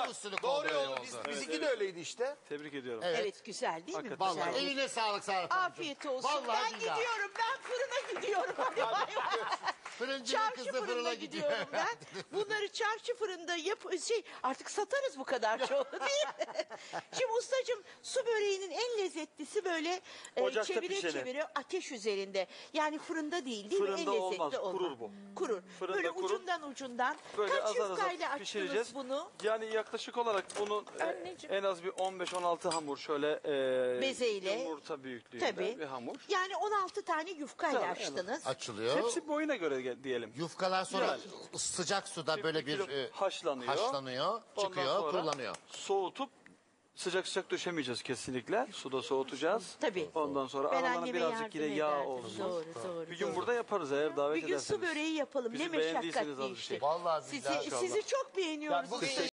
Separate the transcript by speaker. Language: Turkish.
Speaker 1: Ev usulü
Speaker 2: Doğru
Speaker 1: kolluyor
Speaker 2: yolu.
Speaker 1: oldu.
Speaker 2: Bizimki de öyleydi işte.
Speaker 3: Tebrik ediyorum.
Speaker 4: Evet, güzel değil mi?
Speaker 3: Hakikaten.
Speaker 4: Güzel.
Speaker 1: Vallahi eline sağlık Serap Hanımcığım.
Speaker 4: Afiyet olsun.
Speaker 1: Vallahi
Speaker 4: Ben
Speaker 1: billahi.
Speaker 4: gidiyorum. Ben fırına gidiyorum. Hadi bay bay.
Speaker 1: Fırıncının
Speaker 4: Çarşı
Speaker 1: kızı
Speaker 4: fırına
Speaker 1: fırına gidiyor.
Speaker 4: gidiyorum ben. Bunları çarşı fırında artık satarız bu kadar çok değil mi? Şimdi ustacığım, su böreğinin en lezzetlisi böyle
Speaker 3: Ocakta
Speaker 4: çevire
Speaker 3: pişeni.
Speaker 4: çevire ateş üzerinde. Yani fırında değil mi?
Speaker 3: Fırında
Speaker 4: En lezzetli
Speaker 3: olmaz,
Speaker 4: olan.
Speaker 3: kurur bu.
Speaker 4: Kurur.
Speaker 3: Fırında
Speaker 4: böyle
Speaker 3: kurur.
Speaker 4: ucundan.
Speaker 3: Böyle
Speaker 4: Kaç
Speaker 3: azar
Speaker 4: yufkayla
Speaker 3: azar pişireceğiz.
Speaker 4: açtınız bunu?
Speaker 3: Yani yaklaşık olarak bunun
Speaker 4: Anneciğim.
Speaker 3: en az bir 15-16 hamur şöyle
Speaker 4: Bezeyle.
Speaker 3: yumurta büyüklüğünde
Speaker 4: Tabii.
Speaker 3: bir hamur.
Speaker 4: Yani 16 tane yufkayla
Speaker 3: Tabii,
Speaker 4: açtınız.
Speaker 1: Açılıyor.
Speaker 3: Hepsi boyuna göre diyelim.
Speaker 1: Yufkalar sonra
Speaker 3: Yani.
Speaker 1: sıcak suda böyle bir
Speaker 3: haşlanıyor. Ondan
Speaker 1: çıkıyor,
Speaker 3: sonra
Speaker 1: kurulanıyor.
Speaker 3: Soğutup sıcak döşemeyeceğiz kesinlikle. Suda soğutacağız.
Speaker 4: Tabii.
Speaker 3: Ondan sonra
Speaker 4: Ben
Speaker 3: aralarına
Speaker 4: anneme
Speaker 3: birazcık
Speaker 4: yardım
Speaker 3: yine yağ
Speaker 4: ederdim.
Speaker 3: olsun.
Speaker 4: Doğru.
Speaker 3: Bir gün burada yaparız eğer davet
Speaker 4: Bir gün
Speaker 3: ederseniz.
Speaker 4: su böreği yapalım.
Speaker 3: Bizi
Speaker 4: Ne
Speaker 3: beğendiyseniz
Speaker 4: meşakkatli
Speaker 3: az bir
Speaker 4: işte.
Speaker 3: şey.
Speaker 1: Vallahi billahi
Speaker 4: Sizi çok beğeniyoruz.
Speaker 2: Yani bugün